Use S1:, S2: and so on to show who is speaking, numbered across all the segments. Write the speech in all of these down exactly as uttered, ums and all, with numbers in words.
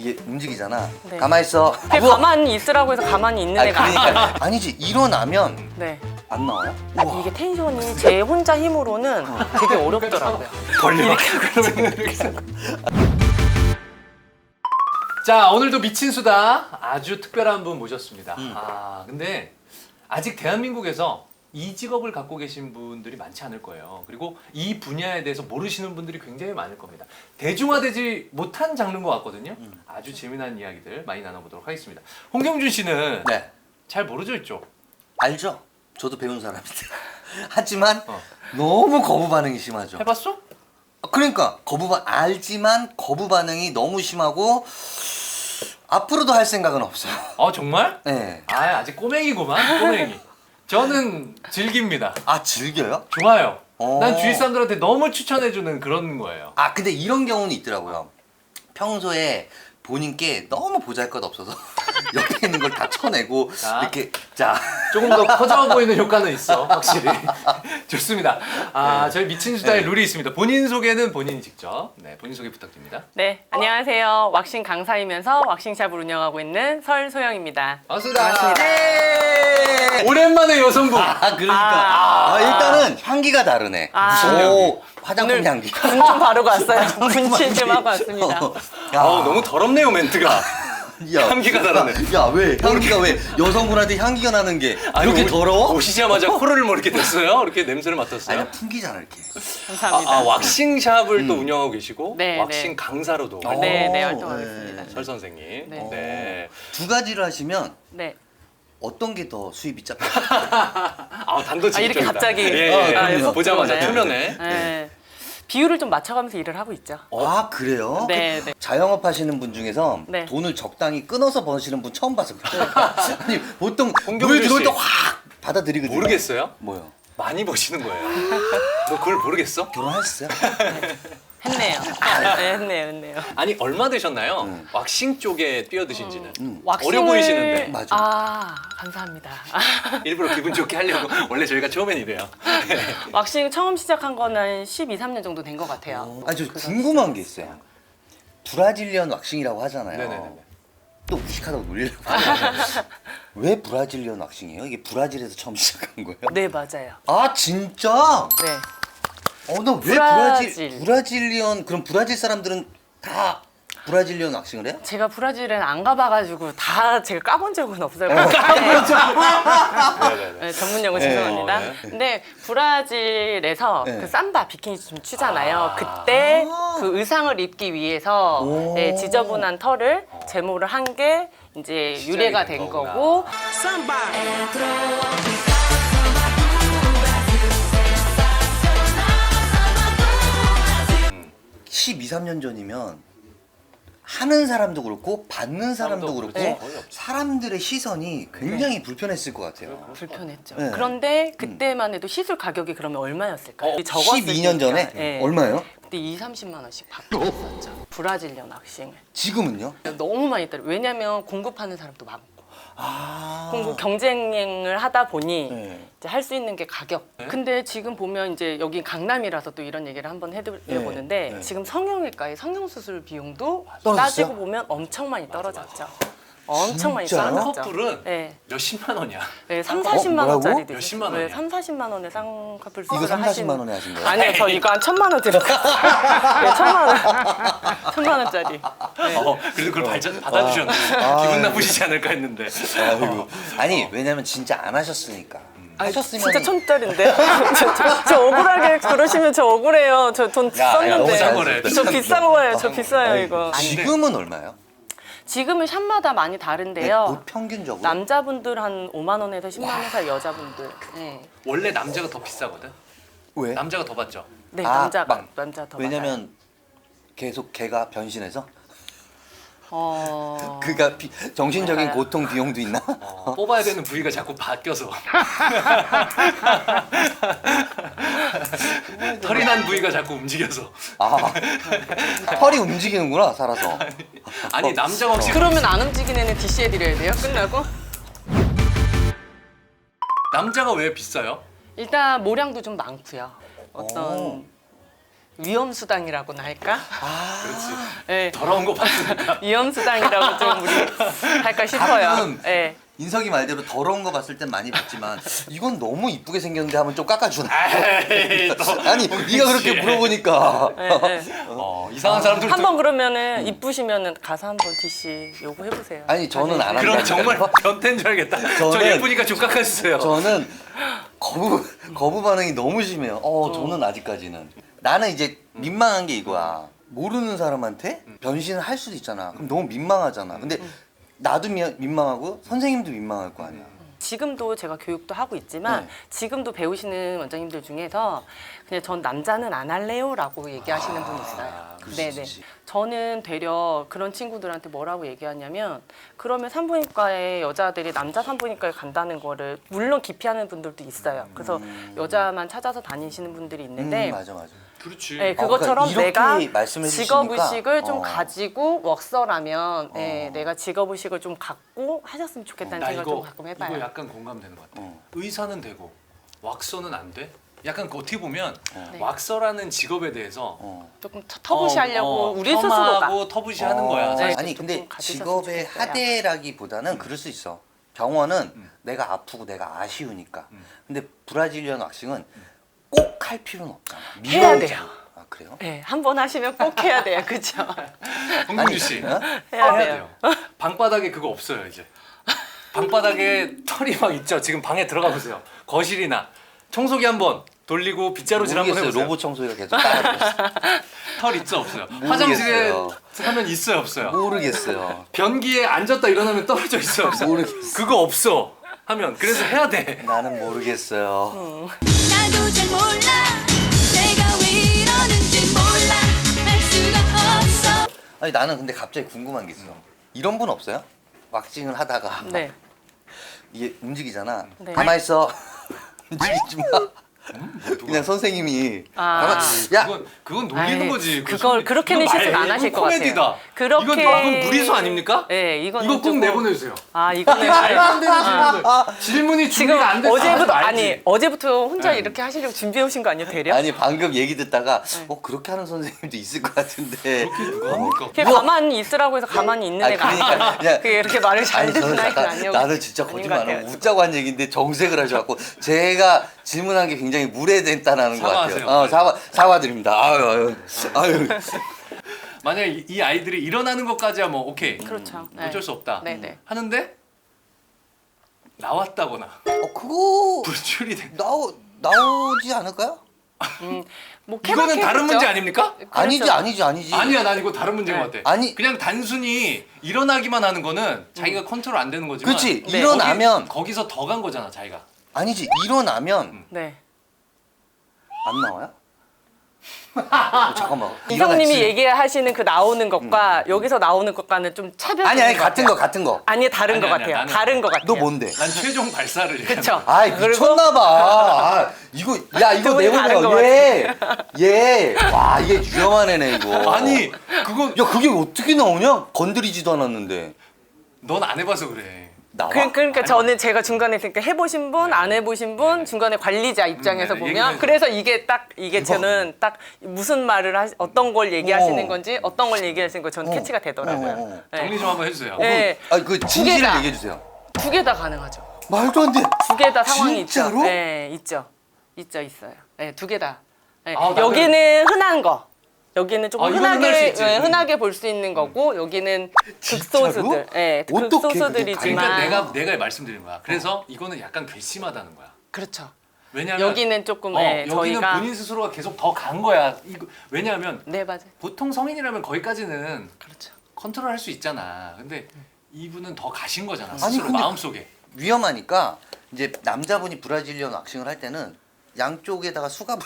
S1: 이게 움직이잖아.
S2: 네.
S1: 가만히 있어.
S2: 그게 가만히 있으라고 해서 가만히 있는
S1: 아니,
S2: 애가
S1: 그러니까 아니지. 일어나면
S2: 네.
S1: 안 나와요?
S2: 이게 텐션이 제 혼자 힘으로는 되게 어렵더라고요.
S1: 걸려.
S3: 자, 오늘도 미친 수다 아주 특별한 분 모셨습니다.
S1: 음.
S3: 아, 근데 아직 대한민국에서 이 직업을 갖고 계신 분들이 많지 않을 거예요. 그리고 이 분야에 대해서 모르시는 분들이 굉장히 많을 겁니다. 대중화되지 못한 장르인 것 같거든요.
S1: 음.
S3: 아주 재미난 이야기들 많이 나눠보도록 하겠습니다. 홍경준 씨는
S1: 네.
S3: 잘 모르죠, 이쪽?
S1: 알죠? 저도 배운 사람인데. 하지만
S3: 어.
S1: 너무 거부 반응이 심하죠.
S3: 해봤어?
S1: 그러니까 거부 반 알지만 거부 반응이 너무 심하고 앞으로도 할 생각은 없어요.
S3: 아, 정말?
S1: 네.
S3: 아, 아직 꼬맹이구만, 꼬맹이. 저는 즐깁니다.
S1: 아 즐겨요?
S3: 좋아요.
S1: 어.
S3: 난 주위 사람들한테 너무 추천해주는 그런 거예요.
S1: 아 근데 이런 경우는 있더라고요. 평소에 본인께 너무 보잘것없어서 옆에 있는 걸 다 쳐내고
S3: 자.
S1: 이렇게 자
S3: 조금 더 커져 보이는 효과는 있어, 확실히. 좋습니다. 아,
S1: 네.
S3: 저희 미친 수다의
S1: 네.
S3: 룰이 있습니다. 본인 소개는 본인이 직접. 네, 본인 소개 부탁드립니다.
S2: 네, 안녕하세요. 왁싱 강사이면서 왁싱샵을 운영하고 있는 설소영입니다.
S3: 반갑습니다.
S2: 반갑습니다.
S1: 네.
S3: 오랜만에 여성분.
S1: 아 그러니까
S2: 아.
S1: 아, 일단은 향기가 다르네.
S2: 아.
S3: 무슨
S1: 오, 화장품
S2: 오늘
S1: 향기.
S2: 분 좀 바르고 왔어요. 분칠 좀 하고 왔습니다.
S1: 야,
S3: 어, 너무 더럽네요, 멘트가.
S1: 야,
S3: 향기가 다르네.
S1: 야 왜 향기가 왜 여성분한테 향기가 나는 게 이렇게
S3: 오-
S1: 더러워?
S3: 오시자마자 코를 뭐 이렇게 댔어요? 이렇게 냄새를 맡았어요?
S1: 아니 풍기잖아 이렇게.
S2: 감사합니다.
S3: 아, 아, 왁싱샵을 또 운영하고 계시고
S2: 네,
S3: 왁싱
S2: 네.
S3: 강사로도
S1: 어.
S2: 네, 네,
S1: 오,
S2: 활동하겠습니다.
S3: 설 선생님. 네.
S2: 네.
S3: 네.
S1: 두 가지를 하시면
S2: 네.
S1: 어떤 게 더 수입이 짭?
S3: 아, 단도직입적이다.
S2: 아, 이렇게 갑자기.
S3: 예,
S1: 아,
S3: 예.
S1: 그럼요.
S3: 보자마자
S2: 네.
S3: 표면에.
S2: 네. 비율을 좀 맞춰가면서 일을 하고 있죠.
S1: 아 그래요?
S2: 네, 네.
S1: 자영업 하시는 분 중에서
S2: 네.
S1: 돈을 적당히 끊어서 버시는 분 처음 봐서 그래요. 아니 보통
S3: 홍경준
S1: 물 들어올
S3: 씨.
S1: 때 확 받아들이거든요.
S3: 모르겠어요?
S1: 뭐요?
S3: 많이 버시는 거예요. 너 그걸 모르겠어?
S1: 결혼하셨어요?
S2: 했네요. 네, 했네요, 했네요.
S3: 아니, 얼마 되셨나요?
S1: 음.
S3: 왁싱 쪽에 뛰어드신지는.
S1: 음.
S3: 어려 보이시는데.
S1: 맞아.
S2: 아, 감사합니다.
S3: 일부러 기분 좋게 하려고. 원래 저희가 처음엔 이래요.
S2: 왁싱 처음 시작한 거는 십이, 삼 년 정도 된 것 같아요.
S1: 아니 저 궁금한 게 있어요. 브라질리언 왁싱이라고 하잖아요.
S3: 네네네.
S1: 또 무식하다고 놀리려고. 왜 브라질리언 왁싱이에요? 이게 브라질에서 처음 시작한 거예요?
S2: 네, 맞아요.
S1: 아 진짜?
S2: 네.
S1: 어, 나 왜
S2: 브라질.
S1: 브라질 브라질리언 그럼 브라질 사람들은 다 브라질리언 왁싱을 해요?
S2: 제가 브라질엔 안 가봐가지고 다 제가 까본 적은 없어요.
S3: 네네네.
S2: 네, 전문 용어
S1: 네.
S2: 죄송합니다.
S3: 어, 네.
S2: 근데 브라질에서
S1: 네.
S2: 그 삼바 비키니 좀 추잖아요. 그때 그 의상을 입기 위해서
S1: 오.
S2: 네, 지저분한 털을 제모를 한 게 이제 유래가
S3: 된
S2: 된
S3: 거구나.
S2: 거고.
S1: 십이, 삼 년 전이면 하는 사람도 그렇고 받는 사람도
S3: 사람도
S1: 그렇고
S3: 그렇지. 거의 없죠.
S1: 사람들의 시선이 굉장히 불편했을 것 같아요.
S2: 불편했죠.
S1: 네.
S2: 그런데 그때만 해도 시술 가격이 그러면 얼마였을까요?
S3: 어,
S2: 적었을
S1: 십이 년 전에
S2: 때니까. 네.
S1: 얼마예요?
S2: 그때 이, 삼십만 원씩 받고 있었죠. 브라질리언 왁싱을.
S1: 지금은요?
S2: 너무 많이 따라. 왜냐면 공급하는 사람도 많고.
S1: 아.
S2: 공급 경쟁을 하다 보니
S1: 네.
S2: 이제 할 수 있는 게 가격.
S3: 네?
S2: 근데 지금 보면 이제 여기 강남이라서 또 이런 얘기를 한번 해드려보는데
S1: 네. 네.
S2: 지금 성형외과의 성형수술 비용도
S1: 떨어졌어요?
S2: 따지고 보면 엄청 많이 떨어졌죠. 엄청 많이
S1: 진짜요?
S3: 한
S2: 떨어졌죠.
S3: 커플은
S2: 네.
S3: 몇십만 원이야.
S2: 네, 삼, 사십만
S1: 뭐라고?
S2: 원짜리도
S3: 몇십만
S2: 있어요. 네,
S3: 원이야?
S2: 삼, 사십만 원에 쌍꺼풀
S1: 이거
S2: 수술을
S1: 삼, 사십만
S2: 하시는-
S1: 원에 하신 거예요?
S2: 아니요, 저 이거 한 천만 원 들었어요. 네, 천만 원. 천만 원짜리. 네.
S3: 어, 그래도 그걸 발자, 받아주셨네.
S1: 아,
S3: 기분
S1: 네.
S3: 나쁘시지 않을까 했는데.
S1: 아이고. 아니 왜냐면 진짜 안 하셨으니까.
S2: 아니,
S1: 하셨으면
S2: 진짜 천짜리인데? 저, 저, 저 억울하게 그러시면 저 억울해요. 저 돈
S1: 야, 야, 너무
S2: 썼는데.
S3: 싼 거래.
S2: 저 비싼 거예요. 저 비싸요, 이거.
S1: 지금은 얼마예요?
S2: 지금은 샵마다 많이
S1: 네,
S2: 다른데요.
S1: 뭐 평균적으로?
S2: 남자분들 한 오만 원에서 십만 원 사이, 여자분들. 네,
S3: 원래 남자가 더 비싸거든.
S1: 왜?
S3: 남자가 더 받죠.
S2: 네
S1: 아,
S2: 남자가
S1: 막-
S2: 남자 더
S1: 왜냐면 계속 걔가 변신해서?
S2: 많아요. 어...
S1: 그가 비- 정신적인
S2: 맞아요.
S1: 고통 비용도 있나?
S3: 어, 뽑아야 되는 부위가 자꾸 바뀌어서. 털이 난 부위가 자꾸 움직여서.
S1: 아 털이 움직이는구나 살아서.
S3: 아니, 남자가 혹시
S2: 그러면 안 움직이는 애는 디씨 해드려야 돼요? 끝나고?
S3: 남자가 왜 비싸요?
S2: 일단 모량도 좀 많고요. 어떤
S1: 오.
S2: 위험수당이라고나 할까?
S1: 아,
S3: 그렇지.
S2: 네.
S3: 더러운 거 봤으니까.
S2: 위험수당이라고 좀 우리 할까 싶어요.
S1: 가끔은
S2: 네.
S1: 인석이 말대로 더러운 거 봤을 땐 많이 봤지만 이건 너무 이쁘게 생겼는데 하면 좀 깎아주나?
S3: 에이, 또.
S1: 아니 네가 그렇게 물어보니까
S2: 네, 네.
S3: 어, 이상한 사람들.
S2: 한번 그러면은 이쁘시면은 가서 한번 티씨 요구해 보세요.
S1: 아니 저는 안
S3: 그럼
S1: 한다.
S3: 정말 변태인 줄 알겠다. 저
S1: 저는-
S3: 예쁘니까 좀 깎아주세요.
S1: 저는 거부 거부 반응이 너무 심해요. 어, 저는 아직까지는 나는 이제 민망한 게 이거야. 모르는 사람한테 변신을 할 수도 있잖아. 그럼 너무 민망하잖아. 근데 나도 미, 민망하고 선생님도 민망할 거 아니야.
S2: 지금도 제가 교육도 하고 있지만
S1: 네.
S2: 지금도 배우시는 원장님들 중에서 그냥 전 남자는 안 할래요라고 얘기하시는 분이 있어요.
S1: 그럴 수
S2: 네네.
S1: 있지.
S2: 저는 되려 그런 친구들한테 뭐라고 얘기하냐면 그러면 산부인과에 여자들이 남자 산부인과에 간다는 거를 물론 기피하는 분들도 있어요. 그래서 여자만 찾아서 다니시는 분들이 있는데
S1: 음, 맞아 맞아.
S3: 그렇지.
S2: 네, 그것처럼
S1: 어, 그러니까
S2: 내가
S1: 이렇게 말씀해
S2: 직업
S1: 주시니까,
S2: 의식을 좀
S1: 어.
S2: 가지고 웍서라면 네,
S1: 어.
S2: 내가 직업 의식을 좀 갖고 하셨으면 좋겠다는
S3: 나
S2: 생각을 좀
S3: 이거
S2: 가끔 해봐요.
S3: 이거 약간 공감되는 것 같아.
S1: 어.
S3: 의사는 되고 왁서는 안 돼? 약간 그 어떻게 보면
S2: 네.
S3: 왁서라는 직업에 대해서
S1: 어.
S2: 조금 터- 터부시하려고
S3: 어, 어,
S2: 우리 스스로가
S3: 폄하하고 터부시하는
S1: 어.
S3: 거야.
S2: 네.
S1: 아니
S2: 좀
S1: 근데
S2: 가지셨으면
S1: 직업의
S2: 좋겠어요.
S1: 하대라기보다는 그럴 수 있어. 병원은
S3: 음.
S1: 내가 아프고 내가 아쉬우니까.
S3: 음.
S1: 근데 브라질리언 왁싱은 꼭 할 필요는 없잖아.
S2: 해야
S1: 미워지고.
S2: 돼요.
S1: 아 그래요?
S2: 네, 한 번 하시면 꼭 해야 돼요. 그렇죠?
S3: 홍준주 씨
S1: 어?
S2: 해야 돼요.
S3: 방바닥에 그거 없어요 이제. 방바닥에 털이 막 있죠. 지금 방에 들어가 보세요. 거실이나 청소기 한번 돌리고 빗자루질 한번
S1: 모르겠어요.
S3: 해보세요.
S1: 로봇 청소기가 계속 따라하고 있어.
S3: 털 있죠 없어요?
S1: 모르겠어요.
S3: 화장실에 하면 있어요 없어요?
S1: 모르겠어요.
S3: 변기에 앉았다 일어나면 떨어져 있어요 없어요?
S1: 모르겠어.
S3: 그거 없어 하면 그래서 해야 돼.
S1: 나는 모르겠어요.
S4: 나도 잘 몰라 내가 왜 이러는지 몰라 알 수가 없어
S1: 아니 나는 근데 갑자기 궁금한 게 있어. 이런 분 없어요? 왁싱을 하다가
S2: 네.
S1: 이게 움직이잖아.
S2: 네.
S1: 가만 있어. 움직이지 마.
S3: 음, 뭐 누가?
S1: 그냥 선생님이
S2: 아.
S1: 가만. 야.
S3: 그건 그건 놀리는
S2: 아이,
S3: 거지.
S2: 그걸 그렇게는
S3: 이거 말-
S2: 실수 안 하실
S3: 이거
S2: 것
S3: 코미디다.
S2: 같아요. 그렇게
S3: 이건 방금 무리수 아닙니까?
S2: 네, 이건
S3: 이거 꼭 내보내주세요.
S2: 아, 이거는
S3: 말도 안 되는 질문. 질문이
S2: 지금
S3: 준비가 안 돼서
S2: 어제부터
S3: 하지
S2: 아니
S3: 말지.
S2: 어제부터 혼자
S3: 네.
S2: 이렇게 하시려고 준비해 오신 거 아니에요, 대략?
S1: 아니 방금 얘기 듣다가
S2: 네.
S1: 어 그렇게 하는 선생님도 있을 것 같은데.
S3: 그렇게 누가 합니까?
S2: 그게 가만히 있으라고 해서 가만히 있는
S1: 아니
S2: 애가
S1: 그러니까 그냥
S2: 그게 이렇게 말을 잘
S1: 아니 저는
S2: 듣는 아이가
S1: 잠깐
S2: 아니고
S1: 나는 진짜
S2: 아닌
S1: 거짓말
S2: 것
S1: 안 하고
S2: 같아요.
S1: 웃자고 한 얘기인데 정색을 하셔갖고 제가 질문한 게 굉장히 무례됐다는 것 같아요.
S3: 사과하세요.
S1: 어, 사과 사과드립니다. 아유 아유 아유.
S3: 만약에 이- 이 아이들이 일어나는 것까지야 뭐 오케이.
S2: 그렇죠. 네.
S3: 어쩔 수 없다.
S2: 네, 네.
S3: 하는데 나왔다거나
S1: 어 그거
S3: 불출이 돼.
S1: 나오 나오지 않을까요?
S2: 음, 뭐
S3: 이거는 다른
S2: 케바케겠죠?
S3: 문제 아닙니까?
S1: 아니지
S2: 그렇죠.
S1: 아니지 아니지.
S3: 아니야, 난 이거 다른 문제인
S2: 네.
S3: 것 같아.
S1: 아니.
S3: 그냥 단순히 일어나기만 하는 거는 자기가 컨트롤 안 되는 거지만.
S1: 그렇지
S2: 네.
S1: 일어나면
S3: 거기, 거기서 더 간 거잖아, 자기가.
S1: 아니지 일어나면
S2: 네.
S1: 안 나와요? 어, 잠깐만.
S2: 이성님이
S1: 일어났지.
S2: 얘기하시는 그 나오는 것과 여기서 나오는 것과는 좀 차별이
S1: 아니 아니
S2: 있는 것
S1: 같은
S2: 같아요.
S1: 거 같은 거.
S2: 아니 다른
S3: 아니,
S2: 것
S3: 아니야,
S2: 같아요.
S3: 나는-
S2: 다른 것 같아요.
S1: 너 뭔데?
S3: 난 최종 발사를. 얘기하는
S2: 그쵸?
S3: 거야.
S1: 아이
S2: 그리고-
S1: 미쳤나봐. 아, 이거 야 이거
S2: 두 분이 다른 것
S1: 내보내요. 얘, 얘. 와 이게 위험한 애네 이거.
S3: 아니, 그건
S1: 야 그게 어떻게 나오냐? 건드리지도 않았는데
S3: 넌 안 해봐서 그래.
S1: 나와?
S2: 그, 그러니까 저는 제가 중간에 그러니까 해보신 분, 안 해보신 분, 중간에 관리자 입장에서
S3: 네, 네,
S2: 보면
S3: 얘기해주세요.
S2: 그래서 이게 딱 이게
S1: 대박.
S2: 저는 딱 무슨 말을 하, 어떤 걸 얘기하시는
S1: 어.
S2: 건지 어떤 걸 얘기하시는 거 저는
S1: 어.
S2: 캐치가 되더라고요.
S1: 어, 어, 어.
S2: 네.
S3: 정리 좀 한번 해주세요.
S2: 네.
S1: 아니 그 진실을
S2: 개다.
S1: 얘기해 주세요.
S2: 두 개 다 가능하죠.
S1: 말도 안 돼.
S2: 두 개 다 상황이
S1: 진짜로?
S2: 있죠. 네, 있죠. 있죠, 있어요. 네, 두 개 다. 네.
S3: 아, 나는-
S2: 여기는 흔한 거. 여기는 조금
S3: 아, 이건 흔할 수
S2: 흔하게
S3: 있지.
S2: 네,
S3: 음.
S2: 흔하게 볼 수 있는 거고 여기는
S1: 진짜로?
S2: 극소수들. 네,
S1: 어떻게 그게
S2: 극소수들이지만
S3: 그러니까 내가 내가 말씀드린 거야. 그래서 이거는 약간 괘씸하다는 거야.
S2: 그렇죠.
S3: 왜냐면
S2: 여기는 조금
S3: 어,
S2: 네,
S3: 여기는
S2: 저희가
S3: 본인 스스로가 계속 더 간 거야. 이거, 왜냐하면
S2: 네, 맞아요.
S3: 보통 성인이라면 거기까지는
S2: 그렇죠.
S3: 컨트롤할 수 있잖아. 근데 이분은 더 가신 거잖아.
S1: 아니,
S3: 스스로
S1: 근데-
S3: 마음속에.
S1: 위험하니까 이제 남자분이 브라질리언 왁싱을 할 때는 양쪽에다가 수갑을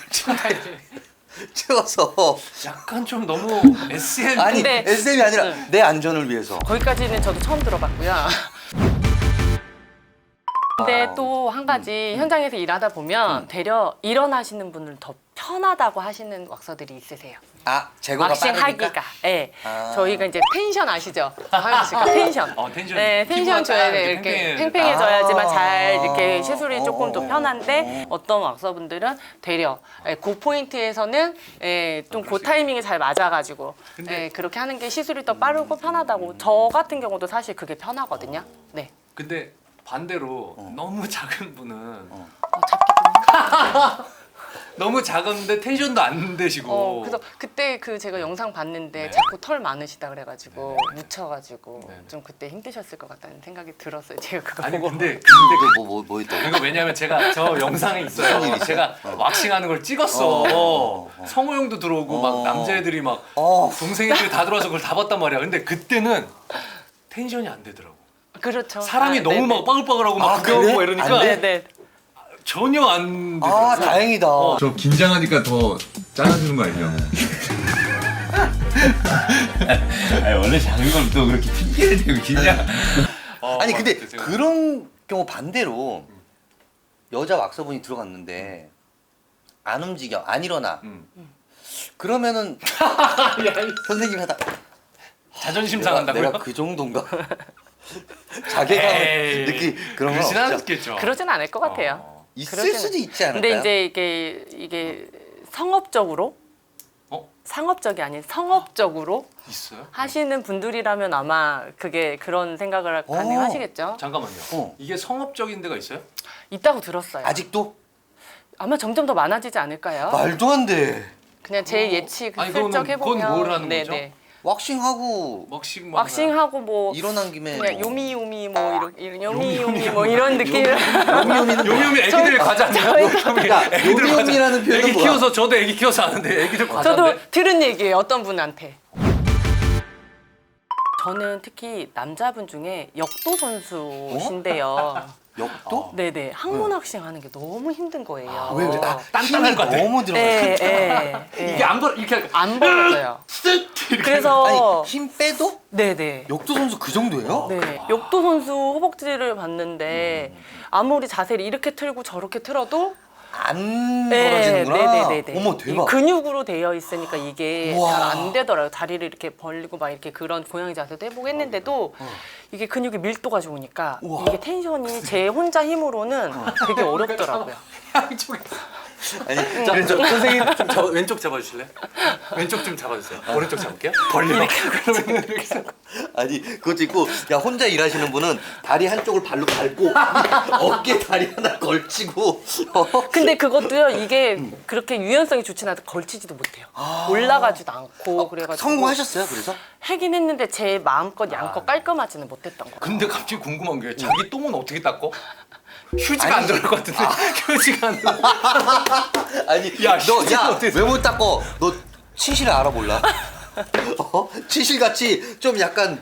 S1: 채워서
S3: 약간 좀 너무 에스엠.
S1: 아니
S2: 근데-
S1: 에스엠이 아니라
S2: 네.
S1: 내 안전을 위해서.
S2: 거기까지는 저도 처음 들어봤고요. 근데
S1: 아.
S2: 또 한 가지 현장에서 일하다 보면 되려 일어나시는 분들은 더 편하다고 하시는 왁서들이 있으세요.
S1: 아 제거가
S2: 왁싱
S1: 빠르니까?
S2: 하기가. 예.
S1: 아.
S2: 저희가 이제 텐션 아시죠? 하영 씨가 텐션.
S3: 어, 텐션.
S2: 네, 텐션
S3: 피부가
S2: 줘야
S3: 딱
S2: 돼.
S3: 이렇게
S2: 이렇게
S3: 팽팽해야
S2: 팽팽해져야지만
S1: 아.
S2: 잘 이렇게 시술이 조금 더
S1: 어, 어,
S2: 편한데 어떤 왁서분들은 되려 예, 그 포인트에서는 예, 좀 그 타이밍이 잘 맞아가지고
S3: 근데-
S2: 예, 그렇게 하는 게 시술이 더 빠르고 편하다고. 저 같은 경우도 사실 그게 편하거든요. 네.
S3: 근데 반대로
S1: 어.
S3: 너무 작은 분은
S2: 어, 잡기 좀.
S3: 너무 작은데 텐션도 안 되시고.
S2: 어, 그래서 그때 그 제가 영상 봤는데
S3: 네.
S2: 자꾸 털 많으시다 그래가지고 묻혀가지고
S3: 네, 네.
S2: 좀 그때 힘드셨을 것 같다는 생각이 들었어요. 제가 그거
S3: 아니
S2: 보고.
S3: 근데 근데
S1: 뭐뭐 뭐 있다고?
S3: 이거 왜냐면 제가 저 영상에
S1: 무슨
S3: 있어요.
S1: 일 있어요?
S3: 제가 왁싱하는 걸 찍었어.
S1: 어, 어, 어.
S3: 성우 형도 들어오고
S1: 어.
S3: 막 남자애들이 막
S1: 어.
S3: 동생애들이 다 들어와서 그걸 다 봤단 말이야. 근데 그때는 텐션이 안 되더라고.
S2: 그렇죠.
S3: 사람이
S2: 아,
S3: 너무
S2: 네네.
S3: 막 빠글빠글하고 막
S1: 아,
S3: 구경하고
S1: 그래?
S3: 막 이러니까
S1: 안 돼?
S2: 네네.
S3: 전혀 안 되더라고.
S1: 아 다행이다.
S5: 저 긴장하니까 더 짜증나는 거 아니에요?
S6: 아니 원래 작은 걸 또 그렇게 핑계를 대고 긴장.
S3: 어,
S1: 아니
S3: 막
S1: 근데
S3: 그때 제가-
S1: 그런 경우 반대로 여자 왁서분이 들어갔는데 안 움직여 안 일어나
S3: 음.
S1: 그러면은 선생님이 하다
S3: 자존심
S1: 내가,
S3: 상한다고요?
S1: 내가 그 정도인가? 자괴감을
S3: 에이,
S1: 느끼 그런 건
S3: 그러진
S1: 없죠.
S3: 않겠죠.
S2: 그러진 않을 것 같아요.
S3: 어.
S1: 있을
S2: 그러진
S1: 수도
S2: 않-
S1: 있지 않을까요?
S2: 근데 이제 이게 이게 성업적으로
S3: 어?
S2: 상업적이 아닌 성업적으로
S3: 있어요?
S2: 하시는 분들이라면 아마 그게 그런 생각을
S1: 오.
S2: 가능하시겠죠.
S3: 잠깐만요.
S1: 어.
S3: 이게 성업적인 데가 있어요?
S2: 있다고 들었어요.
S1: 아직도
S2: 아마 점점 더 많아지지 않을까요?
S1: 말도 안 돼.
S2: 그냥 제 예측
S3: 아니,
S2: 슬쩍
S3: 그거는-
S2: 해보면
S3: 그건 뭘 하는 거죠?
S2: 네네.
S1: 왁싱하고
S3: 왁싱 뭐
S2: 왁싱하고 뭐
S1: 일어난 김에
S2: 그냥
S1: 뭐
S2: 요미요미 뭐 이런 이런 요미요미 뭐 이런 느낌.
S1: 요미요미는
S3: 요미요미 애기들 과자 아니야?
S1: 야, 요미요미라는 표현은
S3: 애기
S1: 뭐야?
S3: 키워서 저도 애기 키워서 아는데 애기들 과자인데.
S2: 저도 들은 얘기예요. 어떤 분한테. 저는 특히 남자분 중에 역도 선수신데요.
S1: 역도?
S2: 네네 항문 왁싱 하는 게 너무 힘든 거예요.
S1: 아, 왜 그래? 아,
S3: 단단한
S1: 힘이
S3: 것 같아.
S1: 너무 들어가.
S2: 예, 예, 예.
S3: 이게 안 벌 이렇게 하니까
S2: 안 벌어져요. 그래서
S1: 아니 힘 빼도
S2: 네네.
S1: 역도 선수 그 정도예요?
S2: 네, 역도 선수 허벅지를 봤는데 아무리 자세를 이렇게 틀고 저렇게 틀어도
S1: 안
S2: 네,
S1: 벌어지는구나.
S2: 네네네네.
S1: 어머 대박.
S2: 이 근육으로 되어 있으니까 이게
S1: 우와.
S2: 잘 안 되더라고요. 다리를 이렇게 벌리고 막 이렇게 그런 고양이 자세도 해보고 했는데도 이게 근육의 밀도가 좋으니까
S1: 우와.
S2: 이게 텐션이 제 혼자 힘으로는 되게 어렵더라고요.
S3: 양쪽에.
S1: 아니
S3: 자,
S1: 그래서
S3: 저, 선생님 좀 저, 왼쪽 잡아주실래요? 왼쪽 좀 잡아주세요. 오른쪽 잡을게요. 벌리고. 그러면 이렇게 해서.
S1: 아니 그것도 있고 야 혼자 일하시는 분은 다리 한쪽을 발로 밟고 어깨 다리 하나 걸치고 어?
S2: 근데 그것도요 이게 그렇게 유연성이 좋진 않아서 걸치지도 못해요. 올라가지도 않고 그래가지고
S1: 성공하셨어요 그래서?
S2: 하긴 했는데 제 마음껏 양껏 깔끔하지는 못했던 거예요.
S3: 근데 갑자기 궁금한 게 자기 똥은 어떻게 닦어? 휴지가
S1: 아니,
S3: 안 들어갈 것 같은데 휴지가 안 들어.
S1: 아니
S3: 야, 휴지는 어떻게
S1: 너야왜 못 닦어? 너 치실 알아 몰라? 어? 치실 같이 좀 약간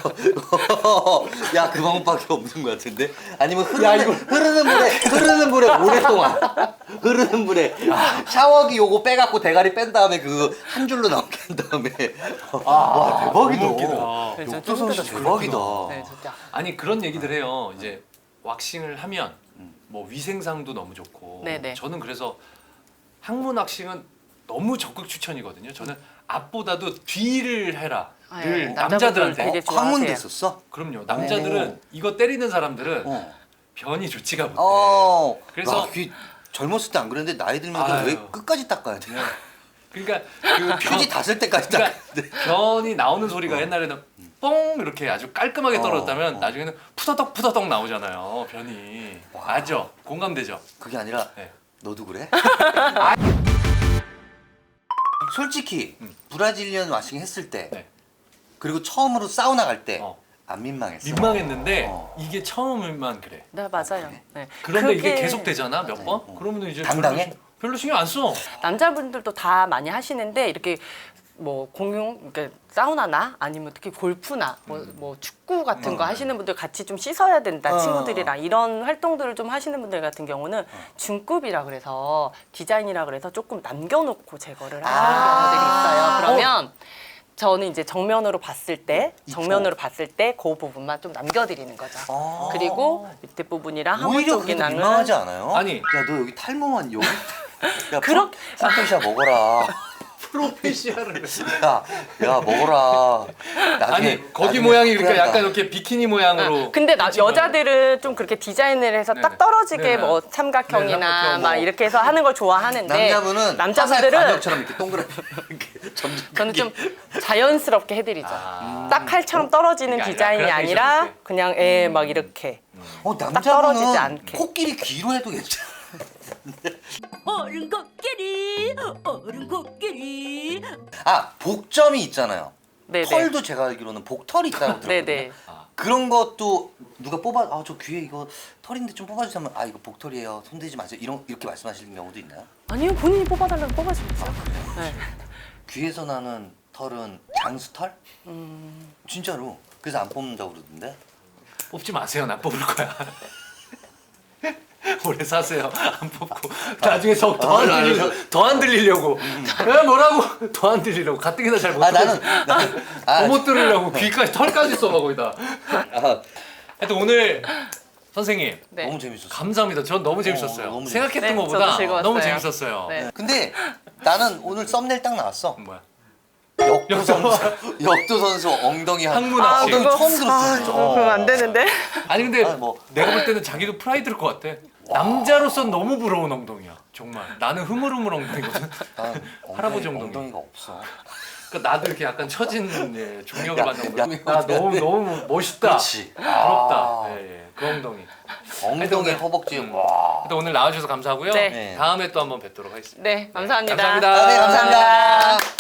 S1: 야 그 방법밖에 없는 것 같은데 아니면 흐르는 흐르는 물에 흐르는 물에 오랫동안 흐르는 물에 샤워기 요거 빼갖고 대가리 뺀 다음에 그 한 줄로 나오게 한 다음에 와 대박이다.
S3: 너무 웃기다.
S2: 네, 저
S1: 역도
S2: 좀
S1: 선수
S2: 힘들었어요.
S1: 대박이다.
S2: 네, 진짜.
S3: 아니 그런 얘기들 해요. 이제 왁싱을 하면 뭐 위생상도 너무 좋고.
S2: 네네.
S3: 저는 그래서 항문 왁싱은 너무 적극 추천이거든요. 저는 앞보다도 뒤를 해라를
S2: 아, 예.
S3: 남자들한테.
S2: 되게
S1: 어, 황문
S2: 좋아하세요.
S1: 됐었어?
S3: 그럼요. 남자들은 이거 때리는 사람들은
S1: 어.
S3: 변이 좋지가 못해.
S1: 어.
S3: 그래서-
S1: 와, 귀 젊었을 때 안 그랬는데 나이 들면
S3: 아유.
S1: 왜 끝까지 닦아야 돼?
S3: 그러니까 그 변,
S1: 휴지 닿을 때까지
S3: 그러니까
S1: 닦아야 돼.
S3: 변이 나오는 소리가 옛날에는 뽕 이렇게 아주 깔끔하게
S1: 어,
S3: 떨어졌다면
S1: 어.
S3: 나중에는 푸더덕 푸더덕 나오잖아요. 변이. 아죠? 공감되죠?
S1: 그게 아니라
S3: 네.
S1: 너도 그래? 솔직히 브라질리언 와싱 했을 때
S3: 네.
S1: 그리고 처음으로 사우나 갈 때 안
S3: 어.
S1: 민망했어.
S3: 민망했는데
S1: 어.
S3: 이게 처음일만 그래.
S2: 네 맞아요. 네.
S3: 그런데 이게
S2: 그게
S3: 계속 되잖아 몇 번? 그러면 이제
S1: 당당해?
S3: 별로, 신- 별로 신경 안 써.
S2: 남자분들도 다 많이 하시는데 이렇게 뭐 공용 그러니까 사우나나 아니면 특히 골프나 뭐, 뭐 축구 같은 거 하시는 분들 같이 좀 씻어야 된다
S1: 어.
S2: 친구들이랑 이런 활동들을 좀 하시는 분들 같은 경우는 중급이라 그래서 디자인이라 그래서 조금 남겨놓고 제거를 하시는
S1: 아.
S2: 경우들이 있어요. 그러면 저는 이제 정면으로 봤을 때
S1: 이쪽.
S2: 정면으로 봤을 때 그 부분만 좀 남겨드리는 거죠.
S1: 아.
S2: 그리고 밑에 부분이랑 하문
S1: 오히려 그래도
S2: 쪽이랑은
S1: 민망하지 않아요?
S3: 아니.
S1: 야 너 여기 탈모만 여기 야
S2: 그렇-
S1: 프로페샤 먹어라.
S3: 프로페시아를.
S1: 야, 야 먹어라. 나중에,
S3: 아니 거기
S1: 나중에
S3: 모양이 그러니까
S1: 후회한다.
S3: 약간 이렇게 비키니 모양으로.
S2: 근데 나,
S3: 펼치면.
S2: 여자들은 좀 그렇게 디자인을 해서
S3: 네네.
S2: 딱 떨어지게
S3: 네네.
S2: 뭐
S3: 네,
S2: 삼각형이나
S3: 삼각형
S2: 막
S3: 뭐.
S2: 이렇게 해서 하는 걸 좋아하는데
S1: 남자분은
S2: 남자분들은
S1: 화살감역처럼 이렇게 동그랗게 이렇게 점점
S2: 저는
S1: 크게.
S2: 좀 자연스럽게 해드리죠.
S3: 아.
S2: 딱 칼처럼 떨어지는
S3: 그게 아니라
S2: 디자인이
S3: 그라데이션
S2: 아니라
S3: 이렇게.
S2: 그냥 애 막 이렇게.
S1: 어
S2: 떨어지지
S1: 남자분은
S2: 않게.
S1: 코끼리 귀로 해도 괜찮아.
S4: 어른 코끼리 어른 코끼리
S1: 아 복점이 있잖아요.
S2: 네네.
S1: 털도 제가 알기로는 복털이 있다고 들었거든요.
S2: 네네.
S1: 그런 것도 누가 뽑아 아 저 귀에 이거 털인데 좀 뽑아주세요 하면 아 이거 복털이에요 손대지 마세요 이런 이렇게 말씀하시는 경우도 있나요?
S2: 아니요, 본인이 뽑아달라면 뽑아주겠어요. 네.
S1: 귀에서 나는 털은 장수털?
S2: 음.
S1: 진짜로 그래서 안 뽑는다고 그러던데.
S3: 뽑지 마세요. 나 뽑을 거야. 오래 사세요. 안 뽑고 나중에 더안
S1: 아,
S3: 들리려 더안 들리려고. 야 뭐라고? 더 안 들리려고. 가뜩이나 잘 못
S1: 아
S3: 들어.
S1: 나는 나는 아,
S3: 더못 들으려고 귀까지 털까지 써봐 거기다.
S1: 아,
S3: 하여튼 오늘 선생님
S2: 네.
S1: 너무 재밌었어.
S3: 감사합니다. 전 너무 재밌었어요.
S1: 어, 너무
S3: 생각했던
S2: 재밌- 네,
S3: 것보다
S2: 저도 즐거웠어요.
S3: 너무 재밌었어요.
S2: 네.
S1: 근데 나는 오늘 썸네일 딱 나왔어.
S3: 뭐야?
S1: 역도 선수 역도 선수 엉덩이 한
S3: 항문
S2: 아,
S3: 앞이.
S1: 엉덩이
S2: 그거-
S1: 처음 들었어.
S2: 아, 조금 그러면 안 되는데.
S3: 아니 근데
S1: 아니, 뭐.
S3: 내가 볼 때는 자기도 프라이드일 것 같아. 남자로서 너무 부러운 엉덩이야. 정말. 나는 흐물흐물 엉덩이거든.
S1: 난
S3: 할아버지
S1: 엉덩이,
S3: 엉덩이.
S1: 엉덩이가 없어.
S3: 그러니까 나도 이렇게 약간 처진 예, 중력을
S1: 야,
S3: 받는
S1: 야,
S3: 엉덩이. 나 너무 너무 멋있다.
S1: 그렇지.
S3: 부럽다.
S1: 아.
S3: 예, 예. 그 엉덩이.
S1: 엉덩이
S3: 하여튼
S1: 허벅지
S3: 음.
S1: 와.
S3: 또 오늘 나와주셔서 감사하고요.
S2: 네.
S1: 네.
S3: 다음에 또 한번 뵙도록 하겠습니다.
S2: 네, 감사합니다.
S3: 감사합니다.
S1: 아, 네 감사합니다.